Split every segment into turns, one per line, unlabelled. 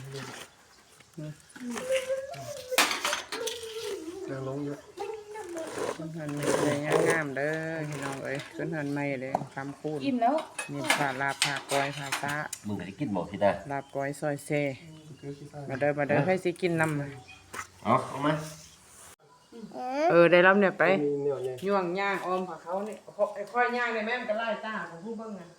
ยังลงเยอะ
ขึ้นหันไม่เลยงามเด้อพี่น้องเอ้ยขึ้นหันไม่เลยคำคูณ
อิ่มแล้ว
นี่ผ่าลาบผ่าก้อยผ่าซะ
มึงก็ได้กินบ่สิได้
ลาบก้อยซอยเซมาเด้อให้สิกินน้ำ
เอามา
ได้รับเนี่ยไปย่วงย่างออมผักเขาเนี่ยค่อยย่างเลยแม่มันก็ไล่ตาของผู้เบิ้งอ่ะ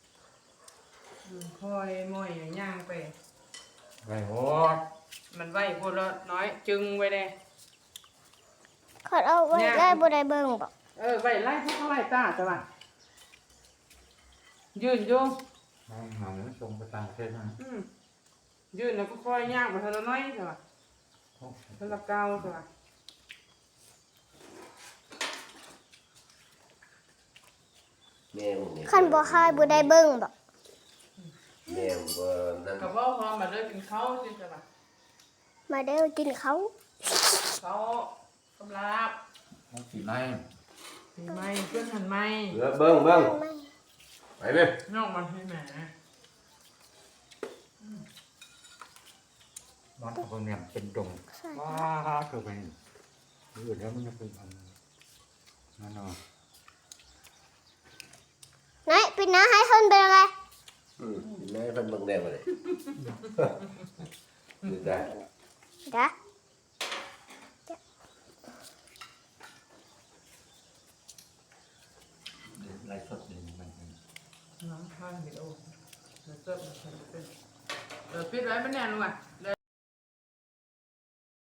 ค่อยม้อยย่างไป
ไว้โห
มันไว้คนละน้อยจึงไว้เลย
ขอเอาไว้ได้บ่ได้เบิ่งบ่
ไว้ไล่พวกเขาไล่ตาจ้ะว่ะยืนอยู่
หนังส่งไปต่างประเทศนะ
ยืนแล้วก็ค่อยย่างไปทีละน้อยจ้ะว่ะทีละเก้าจ้ะว่ะ
คันบ่คายบ่ได้เบิ่งบ่
แม่บ่นั่น
กับว่าพอมาเลิกกินข้าวสิจ้ะว่ะ
มาเด้อกินเขา
เขากำลับ
สีไม้
สีไม้เพื่อนหันไม้
เบิ่งไปเว้ย
นอกมันให้แหม
นอนตรงนี้เป็นดงว้าเกิดไปอยู่แล้วมันจะเป็นอันนั่นเนาะ
ไหนปิดหน้าให้เพิ่นเป็นอะไร
แม่เพิ่นเบิ่งได้บ่เลยได้
จ้ะ
ไล่สดนี่มัน
น้ำข้างเห็ดโอ้เดี๋ยวเติมมันเป็นปิดไว้ไม่แน่นว่ะ